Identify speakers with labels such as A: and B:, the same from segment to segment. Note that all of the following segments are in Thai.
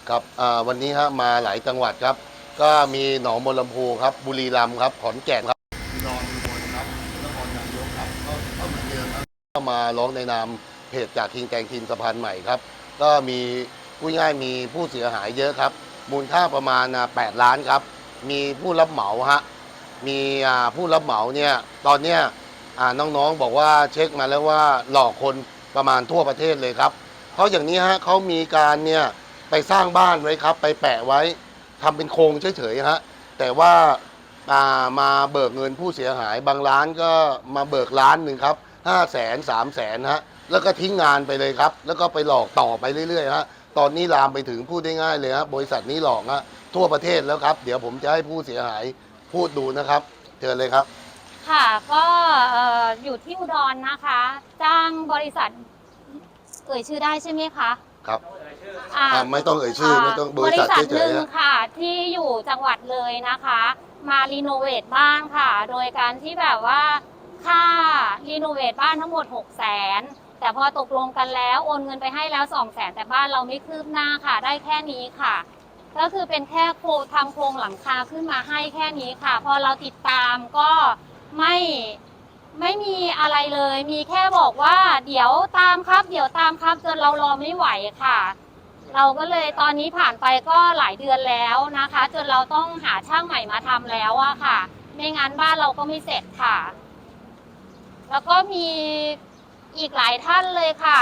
A: ครับวันนี้ฮะมาหลายจังหวัดครับก็มีหนองบัวลำพูครับบุรีรัมย์ครับขอนแก่นครับนอนอุบลครับนครนายกครับก็เหมือนเดิมครับก็มาร้องในนามเพจจากคิงแกงทีมสะพานใหม่ครับก็มีผู้ง่ายมีผู้เสียหายเยอะครับมูลค่าประมาณ8 ล้านครับมีผู้รับเหมาฮะมีผู้รับเหมาเนี่ยตอนเนี้ยน้องๆบอกว่าเช็คมาแล้วว่าหลอกคนประมาณทั่วประเทศเลยครับเพราะอย่างนี้ฮะเขามีการเนี่ยไปสร้างบ้านไว้ครับไปแปะไว้ทำเป็นโครงเฉยๆฮะแต่ว่ามาเบิกเงินผู้เสียหายบางร้านก็มาเบิก1 ล้านครับ500,000 300,000ฮะแล้วก็ทิ้งงานไปเลยครับแล้วก็ไปหลอกต่อไปเรื่อยๆฮะตอนนี้ลามไปถึงพูดได้ง่ายเลยฮะบริษัทนี้หลอกฮะทั่วประเทศแล้วครับเดี๋ยวผมจะให้ผู้เสียหายพูดดูนะครับเชิญเลยครับ
B: ค่ะก็อยู่ที่อุดรนะคะจ้างบริษัทเอ่ยชื่อได้ใช่ไหมคะ
A: ครับ
B: อ่า
A: ไม่ต้องเอ่ยชื่อไม่ต้องบริษัท
B: หนึ่ง
A: เฉยๆฮะ
B: ค่ะที่อยู่จังหวัดเลยนะคะมารีโนเวทบ้านค่ะโดยการที่แบบว่าค่ารีโนเวทบ้านทั้งหมด600,000แต่พอตกลงกันแล้วโอนเงินไปให้แล้ว200,000แต่บ้านเราไม่คืบหน้าค่ะได้แค่นี้ค่ะก็คือเป็นแค่ทำโครงหลังคาขึ้นมาให้แค่นี้ค่ะพอเราติดตามก็ไม่ไม่มีอะไรเลยมีแค่บอกว่าเดี๋ยวตามครับเดี๋ยวตามครับจนเรารอไม่ไหวค่ะเราก็เลยตอนนี้ผ่านไปก็หลายเดือนแล้วนะคะจนเราต้องหาช่างใหม่มาทำแล้วอะค่ะไม่งั้นบ้านเราก็ไม่เสร็จค่ะแล้วก็มีอีกหลายท่านเลยค่ะ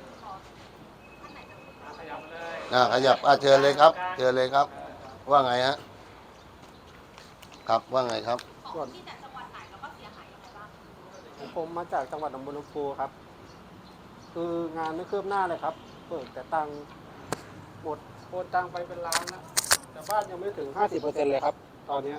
A: ขยับเชิญเลยครับเชิญเลยครับว่าไงฮะครับว่าไงครับ
C: ส่วนผมมาจากจังหวัดหนองบัวลำพูครับคืองานไม่คืบหน้าเลยครับเปิดแต่ตังค์หมดโอนตังค์ไปเป็นล้านนะแต่บ้านยังไม่ถึง 50%เลยครับตอนนี้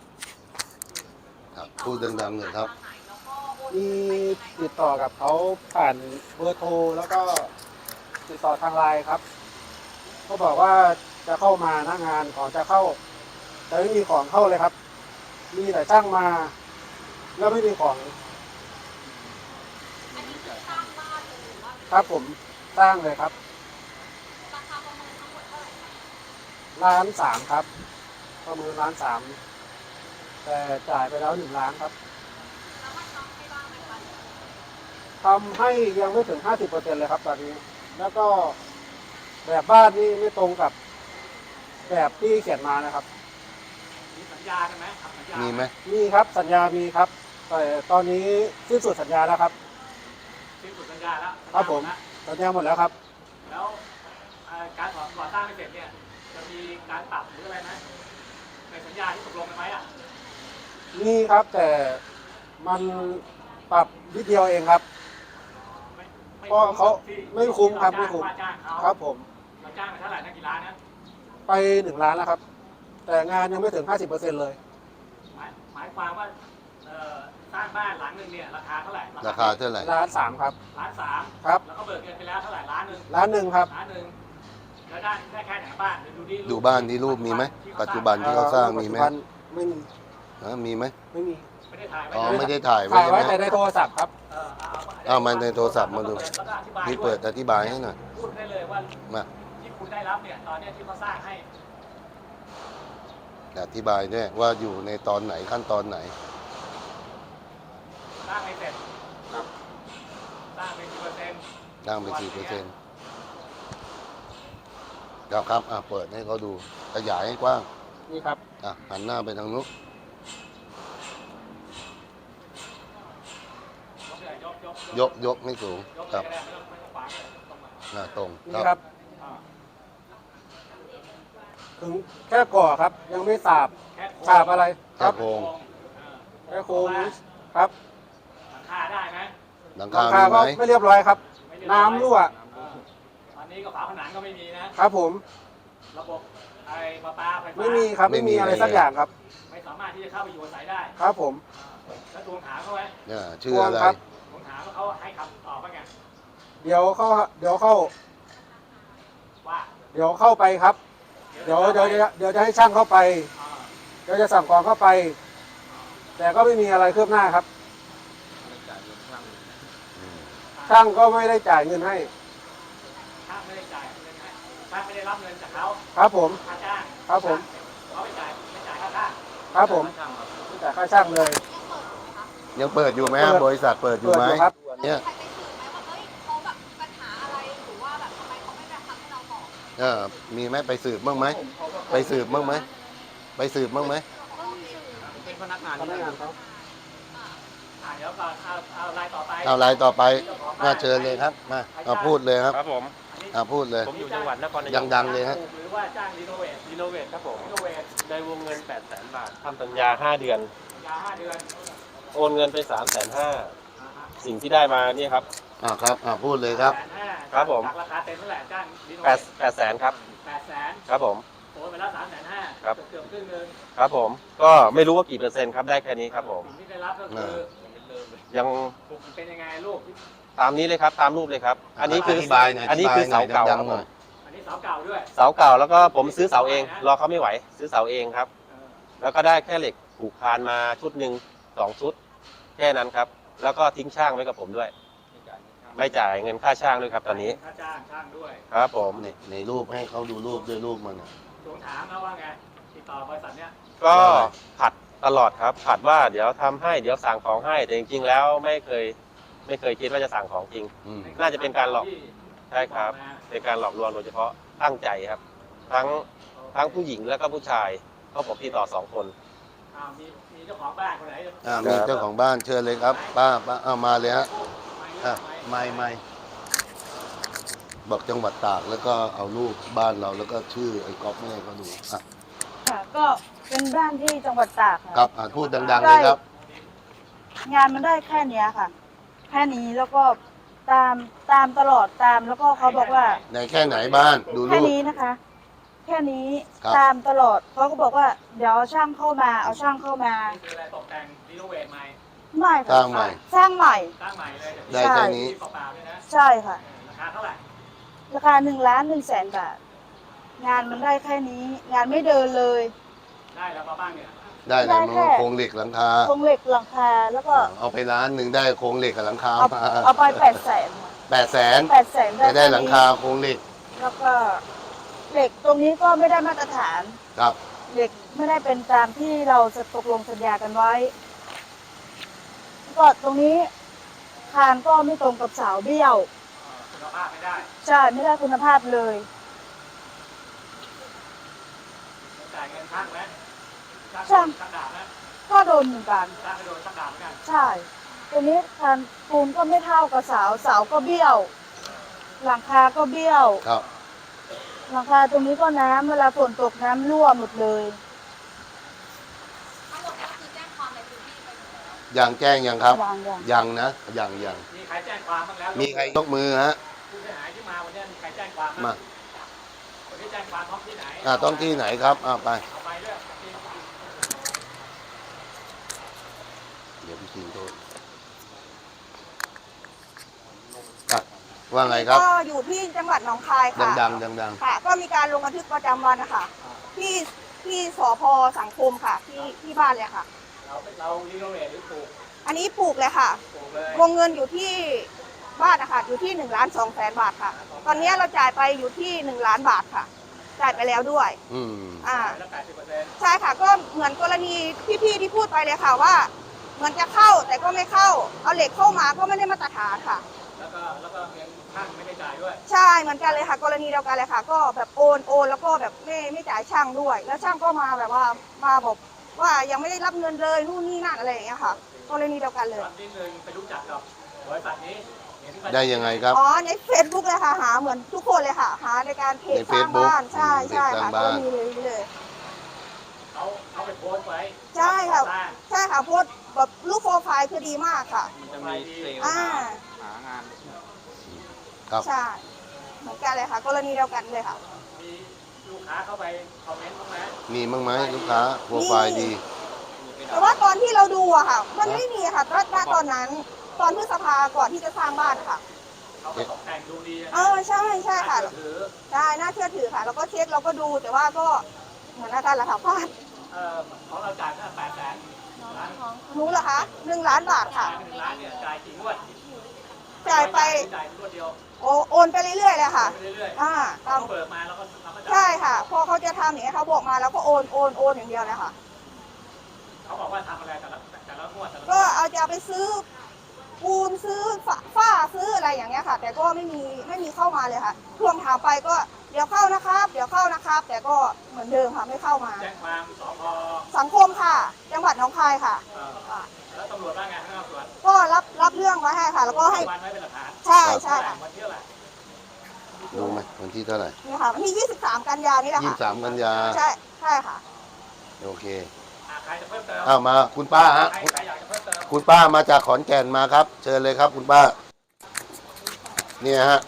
A: ครับพูดดังๆหน่อยครับ
C: มีติดต่อกับเขาผ่านเบอร์โทรแล้วก็ติดต่อทางไลน์ครับเขาบอกว่าจะเข้ามาหน้างานของจะเข้าแต่ไม่มีของเข้าเลยครับมีแต่ช่างมาแล้วไม่มีของครับผมสร้างเลยครับ1,300,000ครับประเมิน1,300,000แต่จ่ายไปแล้ว1 ล้านครับทำให้ยังไม่ถึง 50%เลยครับตอนนี้แล้วก็แบบบ้านนี่ไม่ตรงกับแบบที่เขียนมานะครับ
D: มีสัญญากันไหมครับสัญญา
A: มีไหม
C: มีครับสัญญามีครับแต่ตอนนี้สิ้นสุดสัญญาแล้วครับ
D: สิ้นสุดสัญญาแล้ว
C: ครับผมสัญญาหมดแล้วครับ
D: แล้วการก่อสร้างไม่เสร็จเนี่ยจะมีการปรับหรืออะไรไหมในสัญญาที่ตกลงกันไหมอ่ะ
C: มีครับแต่มันปรับนิดเดียวเองครับก็เขาไม่คุ้มครับไม่คุ้ม
D: จ้างเขา
C: ครับผม
D: เราจ้างไปเท่าไหร่นะกี่ล้านนะ
C: ไป1 ล้านแล้วครับแต่งานยังไม่ถึง 50%เลย
D: หมายความว่าสร้างบ้านหลังหนึ่งเนี่ยราคาเท่าไหร่
A: ราคาเท่าไหร่
C: 1,300,000ครับ
D: 1,300,000
C: ครับ
D: แล้วก็เบิกเงินไปแล้วเท่าไหร่1,100,000
C: 1,100,000ครับ
D: 1,100,000แล้วได้แค่ไหนบ้าน
A: ดูบ้านที่รูปมีไหมปัจจุบันที่เขาสร้างมีไหม
C: ไม่มี
A: มีไหม
C: ไม่มี
D: ไม่ได้ถ่ายไว้
A: อ๋อไม่ได้ถ่ายไว้
C: ถ่าย
A: ใช่ไห
C: ไว้
A: ม
C: แต่ในโทรศัพท์ครับ
A: เอามาในโทรศัพท์มาดูนี่เปิดอธิบายให้หน่อย
D: พูดได้เลยว่า
A: มา
D: ที่คุณได้รับเนี่ยตอนนี้ที่เขาสร้างให้
A: อธิบายด้วยว่าอยู่ในตอนไหนขั้นตอนไหน
D: สร้างไม่เสร็จสร้างไปกี่เปอร์เซ็นต์
A: สร้างไปกี่%ครับเปิดให้เขาดูขยายให้กว้าง
C: นี่ครับ
A: หันหน้าไปทางนู้นยกให้สูงครับตรง
C: นี่ครับถึงแค่ก่อครับยังไม่สาบอะไร
A: ครัโครง
C: แค่โครงครับ
D: หลังคาได้ไหม
A: หลัง
C: หลัง
A: คา
C: คาก็
A: มีไหม
C: ไม่เรียบร้อยครับน้ำรั่ว
D: ตอนนี้ก็ฝาผนังก็ไม่มีนะ
C: ครับผม
D: ระบบไอ้ประปาไฟฟ้า
C: ไม่มีครับไม่มีอะไรสักอย่างครับ
D: ไม่สามารถที่จะเข้าไปอยู่อาศัยได้
C: ครับผม
D: แล้วทวงถามเขาไว้
A: ชื่ออะไร
D: ทวงถามเขาให้คำตอบว่าไง
C: เดี๋ยวเข้า
D: ว่า
C: เดี๋ยวเข้าไปครับเดี๋ยวจะให้ช่างเข้าไปเดี๋ยวจะสั่งกองเข้าไป แต่ก็ไม่มีอะไรคืบหน้าครับช่างก็ไม่ได้จ่ายเงินให้
D: ช่างไม่ได้จ่ายเงินให้ช่างไม่ได้รับเงินจากเขา
C: ครับผม
D: ค่าจ้าง
C: ครับผม
D: เขาไม่จ่ายค่าจ้าง
C: ครับผมไม่จ่ายค่าช่างเลย
A: ยังเปิดอยู่ไหมฮะ
C: เปิด
A: บริษัทเปิดอยู่ไหม
C: เปิดอยู่ครับ
A: เนี่ย
E: ใครไปสืบไหมว่าเฮ้ยเขาแบบมีปัญหาอะไรหรือว่าแบบทำไมเขาไม่แบบทำให้เราบอก
A: มีไหมไปสืบบ้างไหมไปสืบบ้างไหมไปสืบบ้างไหม
D: เป็นพนักงาน
C: พนักงานเขา
D: เดี๋ยวก่อนเอารายต่อไป
A: เอารายต่อไปน่าเชิญเลยครับมาเอาพูดเลยครับ
F: ครับผม
A: พูดเลย
F: ผมอยู่จังหวัดนครนายก
A: ดังๆเลยฮะ
D: หรือว่าจ้างรีโนเวท
F: รีโนเวทครับผม
D: รีโนเวท
F: ในวงเงิน 800,000 บาททำสัญญา 5 เดือน
D: ยา5 เดือน
F: โอนเงินไป 350,000 สิ่งที่ได้มาเนี่ยครับ
A: ครับพูดเลยครับ
D: 150,000
F: ครับผม
D: จากราคาเต็มเท่าไหร่จ้างรีโนเวท
F: 800,000 ครับ
D: 800,000
F: ครับผม
D: โอนไปแล้ว350,000
F: ครับ
D: เกือบครึ่งนึง
F: ครับผม ก็ไม่รู้ว่ากี่เปอร์เซ็นต์ครับ ได้แค่นี้ครับผม
D: สิ่งที่ได้รับก็คือ
F: ยัง
D: มันเป็นยังไงลูก
F: ตามนี้เลยครับ ตามรูปเลยครับ อันนี้คือ
A: อธิบายหน่อย
F: อันนี้คือเสาเก่า
A: ดั
F: ค
A: ง
F: รับ
A: ๆหน่อย
F: ผม
D: อันนี้เสาเก่าด้วย
F: เสาเก่าแล้วก็ผมซื้อเสาเอง รอเขาไม่ไหว ซื้อเสาเองครับ แล้วก็ได้แค่เหล็กผูกคานมาชุดหนึ่ง2 ชุด แค่นั้นครับ แล้วก็ทิ้งช่างไว้กับผมด้วย ไม่จ่ายเงินค่าช่างด้วยครับตอนนี้
D: ค่าจ้างช่างด้วย
F: ครับผม
A: ในรูปให้เขาดูรูปด้วยรูปมัน
D: ทวงถามนะว่าไงติดต่อบริษัทเนี้ย
F: ก็ผัดตลอดครับ ผัดว่าเดี๋ยวทำให้เดี๋ยวสั่งของให้ แต่จริงๆแล้วไม่เคยคิดว่าจะสั่งของจริง น่าจะเป็นการหลอก ใช่ครับ เป็นการหลอกลวงโดยเฉพาะตั้งใจครับ ทั้งผู้หญิงแล้วก็ผู้ชายเพราะผมติดต่อ2 คน
D: มีเจ้าของบ้านคนไหน
A: มีเจ้าของบ้านเชิญเลยครับ ป้ามาเลยฮะไม่บอกจังหวัดตากแล้วก็เอารูปบ้านเราแล้วก็ชื่อไอ้ก๊อฟไม่ให้เขาดู
G: ค่ะก็เป็นบ้านที่จังหวัดตากค่ะ
A: ครับพูดดังๆเลยครับ
G: งานมันได้แค่เนี้ยค่ะ แค่นี้แล้วก็ตามตลอดตามแล้วก็เขาบอกว่า
A: ในแค่ไหนบ้านดู
G: แค่
A: รูป
G: นี้นะคะ แค่นี้
A: ครับ
G: ตามตลอดเขาก็บอกว่าเดี๋ยวเอาช่างเข้ามาเอาช่างเข้ามา
D: นี่คืออะไรตกแต่งรีโนเวทใหม่
G: ไม่
A: สร้า
G: ค่ะ
A: งใหม่
G: สร้างใหม่
D: สร้างใหม่เลย
A: ได้แค่นี้
D: เปล่าๆเลยนะ
G: ใช่ค่ะ
D: ราคาเท่าไหร่
G: ราคา1,100,000 บาท งานมันได้แค่นี้ งานไม่เดินเลย
D: ได้แล้วมาบ้างเนี่ย
A: ได้เลยมัน
G: ได้แค่
A: โครงเหล็กหลังคา
G: โครงเหล็กหลังคาแล้วก็
A: เอาไปร้านหนึ่งได้โครงเหล็กกับหลังคา
G: เอาไป800,000
A: 800,000
G: 800,000
A: จะได้
G: แค่นี้
A: หลังคาโครงเหล็ก
G: แล้วก็เหล็กตรงนี้ก็ไม่ได้มาตรฐาน
A: ครับ
G: เหล็กไม่ได้เป็นตามที่เราจะตกลงสัญญากันไว้ก็ตรงนี้คานก็ไม่ตรงกับเสาเบี้ยว
D: คุณภาพไม่ได้
G: ใช่ไม่ได้คุณภาพเลย
D: จ่ายเงินช่างไหม
G: ช่าง
D: ช่างดาบนะ
G: ก็โดนเหมือนกัน
D: ช่างไปโดนช่างดาบเหมือนกัน
G: ใช่ตรงนี้คานปูนก็ไม่เท่ากับเสาเสาก็เบี้ยว หลังคาก็เบี้ยว
A: ครับ
G: หลังคาตรงนี้ก็น้ำเวลาฝนตกน้ำรั่วหมดเลย
E: ทั้งหมดก็คือแจ้งความในพื้นที่ไปหมดแล้ว
A: ยังแจ้งยังครับ
G: อย่าง
A: ยังนะยัง
D: มีใครแจ้งความบ้างแล้ว
A: มีใครยกมือฮะ
D: ผู้เสียหายที่มาวันนี้มีใครแจ้งความ
A: มา
D: คนที่แจ้งความท้องที่ไหน
A: ต้องที่ไหนครับไป
D: เอาไปเรื่องที่
A: เดี๋ยวพี่คิงโทษว่าไงครับ
H: ก็อยู่ที่จังหวัดหนองคายค่ะ
A: ดัง
H: ค่ะ ก็มีการลงบันทึกประจำวันนะคะที่สพสังคมค่ะ ที่บ้านเลยค่ะ
D: เรารีโนเวทหรือปลูก
H: อันนี้ปลูกเลยค่ะ
D: ปลูกเลยว
H: งเงินอยู่ที่บ้านนะคะอยู่ที่1,200,000 บาทค่ะ ตอนนี้เราจ่ายไปอยู่ที่1 ล้านบาทค่ะ จ่ายไปแล้วด้วย อ่า
D: แล้ว80%
H: ใช่ค่ะ ก็เหมือนกรณีพี่ๆที่พูดไปเลยค่ะว่า เหมือนจะเข้าแต่ก็ไม่เข้า เอาเหล็กเข้ามาก็ไม่ได้มาตรฐานค่ะ
D: แล้วก็เงินช่างไม่ได้จ่ายด้วย
H: ใช่เหมือนกันเลยค่ะ กรณีเดียวกันเลยค่ะ ก็แบบโอนแล้วก็แบบไม่จ่ายช่างด้วย แล้วช่างก็มาแบบว่ามาบอกว่ายังไม่ได้รับเงินเลยนู่นนี่นั่นอะไรอย่างเงี้ยค่ะ กรณีเดียวกันเลย
D: ตอนที่หนึ่งไปรู้จักกับบริษัทนี้เห็น
A: ได้ยังไงครับ
H: อ๋อใน Facebook เลยค่ะหาเหมือนทุกคนเลยค่ะ หาในการเพจ
A: ใน
H: สร้าง
A: Facebook
H: บ้านใช่
A: เพจสร้าง
H: ค่ะ
A: บ้าน
H: ก็มีเลย
D: เขาไปโพสต์ไว้
H: ใช่ค่ะ
D: สร้าง
H: ใช่ค่ะโพสต์แบบรูปโปรไฟล์คือดีมากค่ะ
D: มันจะมีเซลล์
H: อ่า
D: หางาน
A: ครับ
H: ใช่เหมือนกันเลยค่ะ กรณีเดียวกันเลยค่ะ
D: มีลูกค้าเข้าไปคอมเมนต์บ้างไหม
A: มีมั้งไหมลูกค้าโปรไฟล์ดี
H: แต่ว่าตอนที่เราดูอะค่ะ มันไม่มีค่ะตอนนั้นตอนพฤษภาก่อนที่จะสร้างบ้านค่ะ
D: เขาก็ตกแต่งดูดีนะ
H: ใช่ค่ะ
D: ถือ
H: ได้น่าเชื่อถือค่ะ แล้วก็เช็คเราก็ดูแต่ว่าก็เหมือนอาการระดับพลาด
D: ของเราจ่ายแค่800,000ล้าน
H: รู้เหรอคะ1 ล้านบาทค่ะ
D: 1 ล้านเนี่ยจ่ายกี่งวด
H: จ่ายไป
D: จ่ายรวดเดียว
H: โอนไปเรื่อยๆเลยค่ะ
D: ไปเรื่อย
H: อ่า
D: ๆ
H: ตาม
D: เขาเบิกมาแล้วก็จ่าย
H: ใช่ค่ะ พอเขาจะทำอย่างนี้ยเขาบอกมาแล้วก็โอนอย่างเดียวเลยค่ะ
D: เขาบอกว่าทำอะไรแต่ละงวดแต่ละงวด
H: ก็จะไปซื้อปูนซื้อฝ้าซื้ออะไรอย่างเงี้ยค่ะ แต่ก็ไม่มีเข้ามาเลยค่ะทวงถามไปก็เดี๋ยวเข้านะครับ เดี๋ยวเข้านะครับ แต่ก็เหมือนเดิมค่ะไม่เข้ามา
D: แจ้งความสพ
H: สังคมค่ะ จังหวัดหนองคายค่ะ
D: อ่าแล้วตำรวจว่าไงให้ตำรวจ
H: ก็รับเรื่องไว้ให้ค่ะ แล้วก็ให้
D: วันไว้เป็นหลักฐาน
H: ใช่ใช่ค่ะ
D: วันที่เท่าไหร่
A: รู้ไหมวันที่เท่าไหร่
H: นี่ค่ะวันที่23 กันยานี่แหละค่ะ
A: 23 กันยา
H: ใช่ค่ะ
A: โอเค
D: ใครจะเพิ่มเติม
A: เอามาคุณป้าฮะ
D: ใครอยากจะเพิ่มเติม
A: คุณป้ามาจากขอนแก่นมาครับ เชิญเลยครับคุณป้า เนี่ยฮะ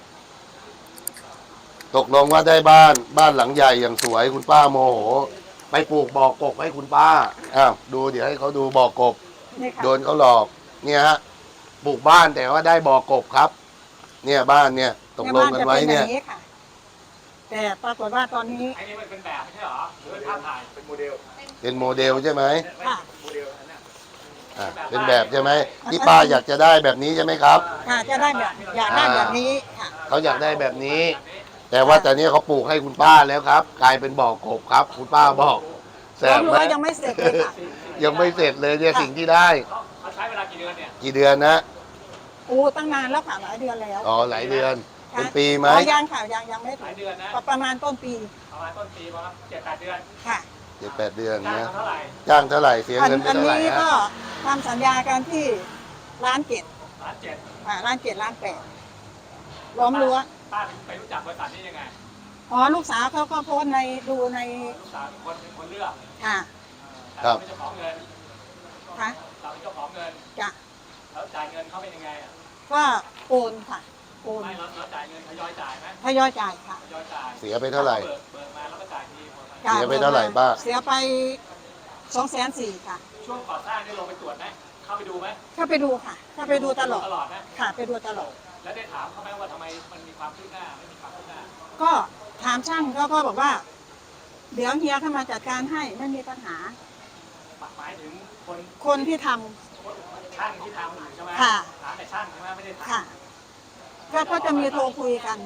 A: ตกลงว่าได้บ้านหลังใหญ่อย่างสวยคุณป้าโมโห ไปปลูกบ่อกบให้คุณป้า อ้าว ดูเดี๋ยวให้เขาดูบ่อกบ
G: นี่ค่ะ
A: โดนเขาหลอก เนี่ยฮะ ปลูกบ้านแต่ว่าได้บ่อกบครับ เนี่ยบ้านเนี่ย ตกลงกันไว้เนี่ย
G: ใบ้าจะป็แบบค่ะ แต่ปรากฏว่าตอนนี้
D: ไอ้นี่มันเป็นแบบไม่ใช่เหรอหรือเป็นภาพถ่ายเป็นโมเดล
A: เป็นโมเดลใช่ไหม
G: ค่ะ
D: โมเดลอันเนี้ย
A: อ่ะเป็นแบบใช่ไหมที่ป้าอยากจะได้แบบนี้ใช่ไหมครับ
G: ค่ะจะได้แบบอยากได้แบบนี้ค่ะ
A: เขาอยากได้แบบนี้ แต่ว่าแต่เนี้ยเขาปลูกให้คุณป้าแล้วครับ กลายเป็นบ่อกบครับ คุณป้าบอกแสบไหม
G: ยังไม่เสร็จเลยค่ะ
A: ยังไม่เสร็จเลยเนี่ยสิ่งที่ได้
D: เขาใช้เวลากี่เดือนเนี่ย
A: กี่เดือนนะ
G: ตั้งนานแล้วค่ะหลายเดือนแล้ว
A: อ๋อหลายเดือน เป็นปีไหม
G: ยังค่ะยังไม่
D: ห
G: ถึ
D: ลาย
G: ง
D: เดือนนะ
G: ประมาณต้นปี
D: ประมาณต้นปีประมาณ7-8 เดือน
G: ค่ะ
A: 7-8 เดือน
D: จ้าง
A: นะ
D: เขาเท่าไหร่
A: จ้างเท่าไหร่เสีย
G: อัน
A: เงินไป
G: อัน
A: เท่าไหร่
G: นี้
A: ฮะ
G: ก็ทำสัญญากันที่1,700,000
D: 1,700,000
G: 1,700,000 ล้อมรั้ว
D: ป้าไปรู้จักบริษัทนี้ยังไง
G: อ๋อลูกสาวเขาก็โพสต์ดูใน
D: ลูกสาวเป็นคนเลือก
G: ค่ะ
D: แต่เราเป็นเจ้าของเงิน
G: ค่ะ
D: เราเป็นเจ้าของเงิน
G: จะ
D: แล้วจ่ายเงินเขาเป็นยังไงอ่ะ
G: ก็โอนค่ะโอน
D: ไม่เราจ่ายเงินทยอยจ่ายไหม
G: ทยอยจ่ายค่ะ
D: ทยอยจ่าย
A: เสียไปเท่าไหร่
D: เบิกมาแล้วก็จ่ายทีหมดไป
G: จ่
A: เสียไปเท่าไหร่ป้า
G: เสียไป240,000ค่ะ
D: ช่วงก่อสร้างนี่ลงไปตรวจไหมเข้าไปดูไหม
G: เข้าไปดูค่ะเข้าไปดูตลอด
D: ตลอดนะ
G: ค่ะไปดูตลอด
D: แล้วได้ถามเขาไหมว่าทำไมมันมีความคืบหน้าไม่มีความคืบหน้า
G: ก็ถามช่างเขาก็บอกว่า เดี๋ยวเฮียเข้ามาจัดการให้ไม่มีปัญหา
D: หมายถึงคน
G: คนที่ทำ
D: ช่างที่ทำอยู่ใช่ไหม
G: ค่ะ
D: ถามแต่ช่างใช่ไหมไม่ได้ถาม
G: ค่ะก็จะมีโทรคุยกัน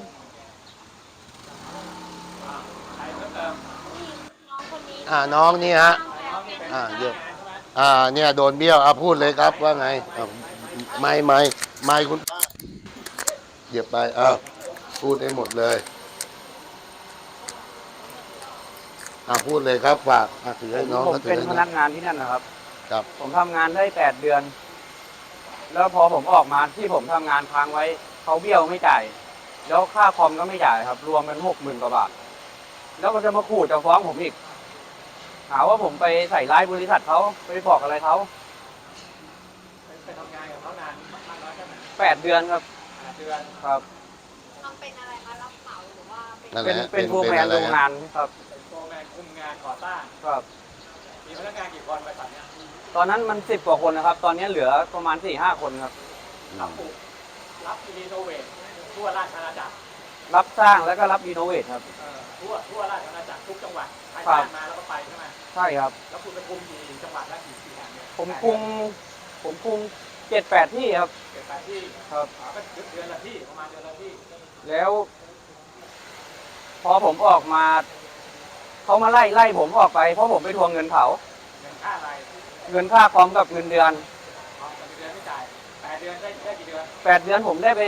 D: ใครเพิ่มเติม
A: น้องนี่ฮะ
D: น้องนี่เป็น
A: เยอะ
D: ใช่ไหม
A: เนี่ยโดนเบี้ยวพูดเลยครับว่าไงไม่คุณป้าเหยียบไปพูดให้หมดเลยพูดเลยครับฝากถือให้น้อง
I: ผม
A: ก็ถือ
I: เป็น
A: ให้
I: พ
A: น้
I: นั
A: อง
I: กงานที่นั่นนะครับ
A: ครับ
I: ผมทำงานได้8 เดือน แล้วพอผมออกมาที่ผมทำงานค้างไว้เขาเบี้ยวไม่จ่าย แล้วค่าคอมก็ไม่จ่ายครับ รวมเป็น60,000 กว่าบาท แล้วก็จะมาขู่จะฟ้องผมอีก หาว่าผมไปใส่ร้ายบริษัทเขาไปบอกอะไรเขา
D: ไปทำงานกับเขานานมากน้อยแค่ไหน
I: 8 เดือนครับ
D: 8 เดือน
I: ครับ
E: ทำเป็นอะไรคะรับเหมาหรือว่าเป็น
A: นั่นแห
I: เป็น
A: ละ
I: เป็นโฟร์แมน
A: อะไร
I: โรงงานครับ
D: เป็นโฟร์แมนคุมงานก่อสร้าง
I: ครับ
D: มีพนักงานกี่คนบริษัทเนี้ย
I: ตอนนั้นมัน10 กว่าคนนะครับ ตอนนี้เหลือประมาณ 4-5 คนครับ
D: รับปลูกรับรีโนเวททั่วราชอาณาจักร
I: รับสร้างแล้วก็รับรีโนเวทครับ
D: ทั่วราชอาณาจักรทุกจังหวัดใคร
I: ครับ
D: จ้างมาแล้วก็ไปใช่ไหม
I: ใช่ครับ
D: แล้วคุณไปคุมกี่จังหวัดและกี่แห่งเนี่ย
I: ผมคุม7-8 ที่ครับ
D: 7-8 ที่
I: ครับ
D: ก็เดือนละที่ประมาณเดือนละที่
I: แล้ว พอผมออกมาเขามาไล่ผมออกไปเพราะผมไปทวงเงินเขา
D: เงินค่าอะไร
I: เงินค่าคอมกับเงินเดือน
D: เอาเงินเดือนไม่จ่าย8 เดือนได้กี่เดือน
I: 8 เดือนผมได้ไป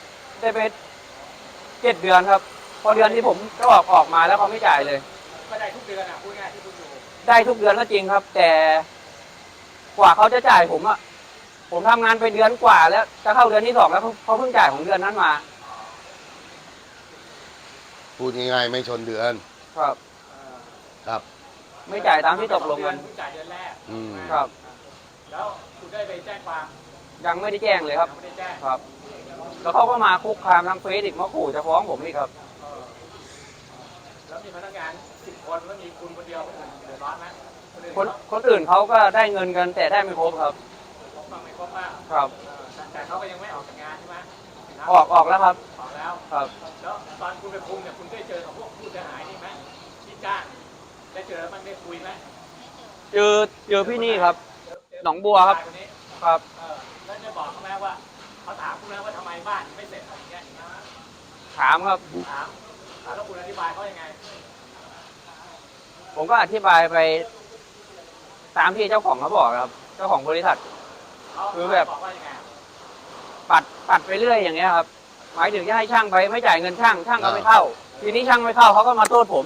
I: 7 เดือนครับ พอเดือนที่ผมก็ออกมาแล้วเขาไม่จ่ายเลย
D: ก็ได้ทุกเดือนอ่ะพูดง่ายที่คุณอยู่
I: ได้ทุกเดือนก็จริงครับ แต่กว่าเขาจะจ่ายผมอะผมทำงานไปเดือนกว่าแล้วจะเข้าเดือนที่ 2แล้วเขาเพิ่งจ่ายของเดือนนั้นมา
A: พูดง่ายๆไม่ชนเดือน
I: ครับ
A: ครับ
I: ไม่จ่ายตามที่ตกลงกัน
D: คุณจ่ายเดือนแรก
I: ครับ
D: แล้วคุณได้ไปแจ้งความ
I: ยังไม่ได้แจ้งเลยครับ
D: ยังไม่ได้แจ้ง
I: ครับ แล้วเขาก็มาคุกคามทางเฟซอีกมาขู่จะฟ้องผมอีกครับ
D: แล้วมีพนักงาน10 คนแล้วมีคุณคนเดียวคนอื่นเดือดร้อนไหม
I: คนอื่นเขาก็ได้เงินกันแต่ได้ไม่ครบครับ
D: บ้างไม่ครบบ้าง
I: ครับ
D: แต่เขาก็ยังไม่ออกจากงานใช่ไหม
I: ออกแล้วครับ
D: ออกแล้ว
I: ครับ
D: แล้วตอนคุณไปคุมเนี่ยคุณได้เจอกับพวกผู้เสียหายนี่ไหมที่จ้างได้เจอมันได้คุยไหม
I: เจอพี่นี่ครับ หนองบัวครับ
D: นนี้
I: ครับ
D: แล้วจะบอกเขาไหมว่าเขาถามคุณแล้วว่าทำไมบ้านไม่เสร็จอะไรอย่างเงี้ย
I: ถามครับ
D: ถามแล้วคุณอธิบายเขายังไง
I: ผมก็อธิบายไปตามที่เจ้าของเขาบอกครับ เจ้าของบริษัท คือแบบ
D: บอกว่ายังไง
I: ปัดไปเรื่อยอย่างเงี้ยครับ หมายถึงจะให้ช่างไปไม่จ่ายเงินช่างก็ไม่เข้า ทีนี้ช่างไม่เข้าเขาก็มาโทษผม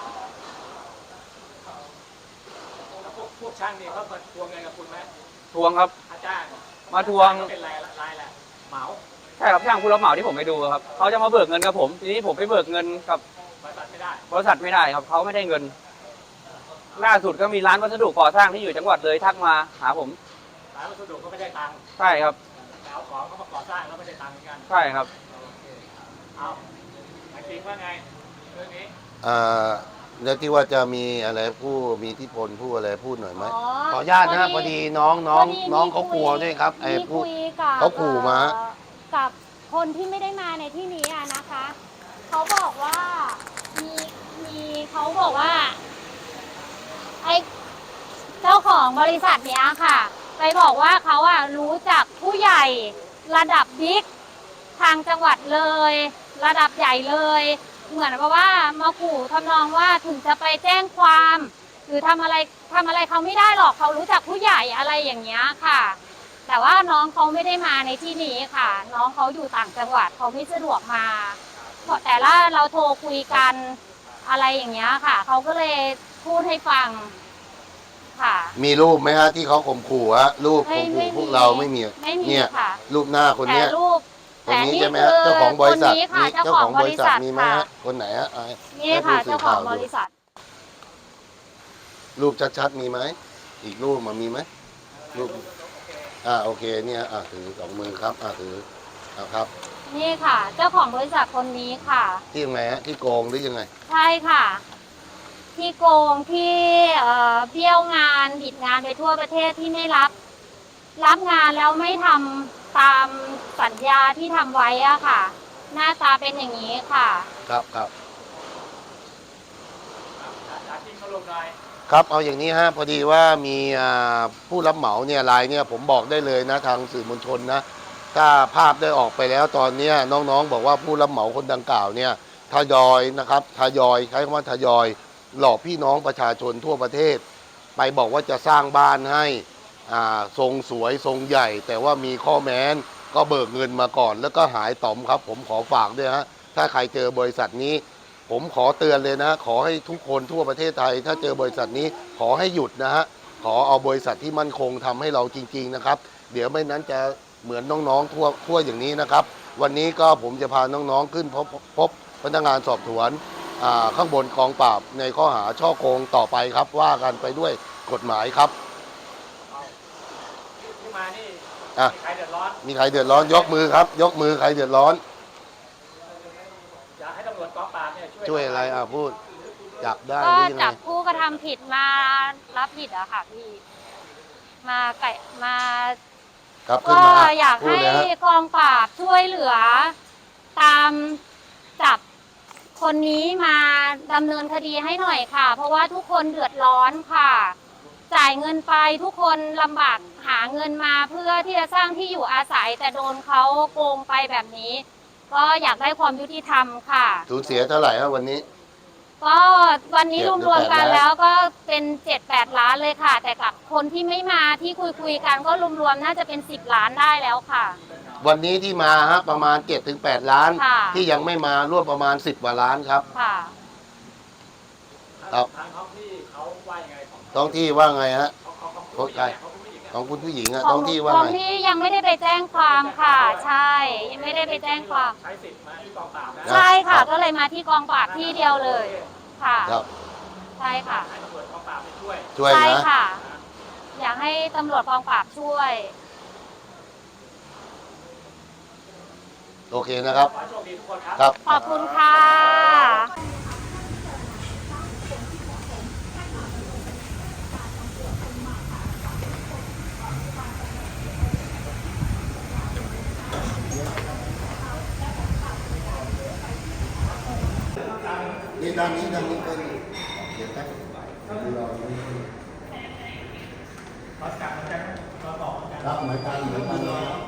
D: แล้วพวกช่างนี่เขามาทวงเงินกับคุณไหม
I: ทวงครับ
D: อาจารย์
I: มาทวง
D: เป็นรายแหละเหมา
I: ใช่ครับช่างผู้รับเหมาที่ผมไปดูครับเขาจะมาเบิกเงินกับผม ทีนี้ผมไปเบิกเงินกับบ
D: ริษัทไม่ได้
I: บริษัทไม่ได้ครับเขาไม่ได้เงิน ล่าสุดก็มีร้านวัสดุก่อสร้างที่อยู่จังหวัดเลยทักมาหาผม
D: ร้านวัสดุก็ไม่ได้ตังค์
I: ใช่ครับ
D: แต่เอาของเขามาก่อสร้างแล้วไม่ได้ตังค์เหมือนกัน
I: ใช่ครับ
D: เอาไอ้จริงว่าไงเรื่องนี้
A: แล้วที่ว่าจะมีอะไรผู้มีอิทธิพลผู้อะไรพูดหน่อยไหม
B: อ๋อ
A: ขออนุญาตนะพอดีน้องเขากลัวด้วยครับไอ้
B: มี
A: ผู้
B: คุยกับ
A: เขาขู่มา
B: กับคนที่ไม่ได้มาในที่นี้อะนะคะเขาบอกว่ามีเขาบอกว่าไอ้เจ้าของบริษัทเนี้ยค่ะ ไปบอกว่าเขาอะรู้จักผู้ใหญ่ระดับบิ๊กทางจังหวัดเลย ระดับใหญ่เลย เหมือนกับว่ามาขู่ทำนองว่าถึงจะไปแจ้งความ หรือทำอะไรเขาไม่ได้หรอกเขารู้จักผู้ใหญ่อะไรอย่างเงี้ยค่ะ แต่ว่าน้องเขาไม่ได้มาในที่นี้ค่ะ น้องเขาอยู่ต่างจังหวัดเขาไม่สะดวกมาแต่ละเราโทรคุยกันอะไรอย่างเงี้ยค่ะเขาก็เลยพูดให้ฟังค่ะ
A: มีรูปไหมฮะที่เขาข่มขู่ฮะรูปข่มขู่พวกเราไม่มี
B: ไม่มี
A: เนี่ย
B: ค่ะ
A: รูปหน้าคน
B: แต่
A: เนี้ย
B: รูป
A: คนนี้
B: แต่
A: ใช่ไหมฮะเจ้าของบริษัท
B: คนนี้ค่ะ
A: มีเจ้าของบริษัทมีไหม
B: ค่ะ
A: ฮะคนไหนฮะอ่ะ
B: นี่ค่ะ
A: ให้ผู้สื่
B: เจ้าของ
A: ข่ว
B: บ
A: ดู
B: ริษัท
A: รูปชัดๆมีไหมอีกรูปมันมีไหมรูปโอเคเนี่ยถือสองมือครับถือครับ
B: นี่ค่ะ เจ้าของบริษัทคนนี้ค่ะ
A: ที่ยังไงฮะที่โกงหรือยังไง
B: ใช่ค่ะ ที่โกงที่เบี้ยวงานบิดงานไปทั่วประเทศที่ไม่รับงานแล้วไม่ทำตามสัญญาที่ทำไว้อะค่ะ หน้าตาเป็นอย่างนี้ค่ะ
A: ครับ
D: จริงเขาลงได้
A: ครับเอาอย่างนี้ฮะพอดีว่ามีผู้รับเหมาเนี่ยรายเนี่ยผมบอกได้เลยนะทางสื่อมวลชนนะถ้าภาพได้ออกไปแล้วตอนเนี้ยน้องๆบอกว่าผู้รับเหมาคนดังกล่าวเนี่ยทยอยนะครับทยอยใช้คำว่าทยอยหลอกพี่น้องประชาชนทั่วประเทศ ไปบอกว่าจะสร้างบ้านให้ทรงสวยทรงใหญ่ แต่ว่ามีข้อแม้นก็เบิกเงินมาก่อน แล้วก็หายต่อมครับผมขอฝากด้วยฮะถ้าใครเจอบริษัทนี้ ผมขอเตือนเลยนะขอให้ทุกคนทั่วประเทศไทย ถ้าเจอบริษัทนี้ขอให้หยุดนะฮะขอเอาบริษัทที่มั่นคงทำให้เราจริงๆนะครับเดี๋ยวไม่นั้นจะเหมือนน้องๆทั่วอย่างนี้นะครับวันนี้ก็ผมจะพาน้องๆขึ้นพบพนักงานสอบสวนข้างบนกองปราบในข้อหาช่อโกงต่อไปครับว่ากันไปด้วยกฎหมายครับ
D: ที่มานี่
A: อ่ะ
D: มีใครเดือดร้อน
A: มีใครเดือดร้อนยกมือครับยกมือใครเดือดร้อน
D: อยากให้ตำรวจกองปราบเนี่ย
A: ช่วยอะไรพูดจับได้ห
B: ก็
A: รือยังไง
B: จับผู้กระทำผิดมารับผิดอะค่ะพี่มา
A: ครับขึ้น
B: ก็
A: มา
B: อยาก
A: พูด
B: ให้
A: เลยฮะ
B: กองปราบช่วยเหลือ ตามจับคนนี้มาดำเนินคดีให้หน่อยค่ะ เพราะว่าทุกคนเดือดร้อนค่ะ จ่ายเงินไปทุกคนลำบากหาเงินมาเพื่อที่จะสร้างที่อยู่อาศัย แต่โดนเขาโกงไปแบบนี้ ก็อยากได้ความยุติธรรมค่ะ
A: สูญเสียเท่าไหร่ครับวันนี้
B: ก็วันนี้
A: 7
B: รวมๆกัน
A: หรือ8
B: แล้วก็เป็น7-8 ล้านเลยค่ะ แต่กับคนที่ไม่มาที่คุยกันก็รวมๆน่าจะเป็น10 ล้านได้แล้วค่ะ
A: วันนี้ที่มาฮะประมาณ 7-8 ล้าน
B: ค่ะ
A: ที่ยังไม่มาร่วมประมาณ10 กว่าล้านครับ
B: ค่ะ
A: ครับ
D: ทางท้องที่เขาว่ายังไงของ
A: ท้องที่ว่าไงฮะ
D: เขา
A: ใคร ของคุณผู้หญิงอะท้องที่ว่า
B: ของ
A: ไง
B: ที่ยังไม่ได้ไปแจ้งความค่ะ ใช่ยังไม่ได้ไปแจ้งความ
D: ใช้สิทธิ์มาที่กองปราบนะ
B: ใช่ค่ะ
A: ครับ
B: ก็เลยมาที่กองปราบที่เดียวเลยค่ะ
A: ครับ
B: ใช่ค่ะ
D: ให้ตำรวจกองปราบไปช่วย
A: ช่วย
B: ใช่
A: นะ
B: ค่ะ อยากให้ตำรวจกองปราบช่วย
A: โอเคนะครับ
D: ขอให้โชคดีทุกคนครับ
A: ครับ
B: ขอบคุณค่ะ
A: นี่ด้านนี้เป็นเดี๋ยวครับครับเหมือนกัน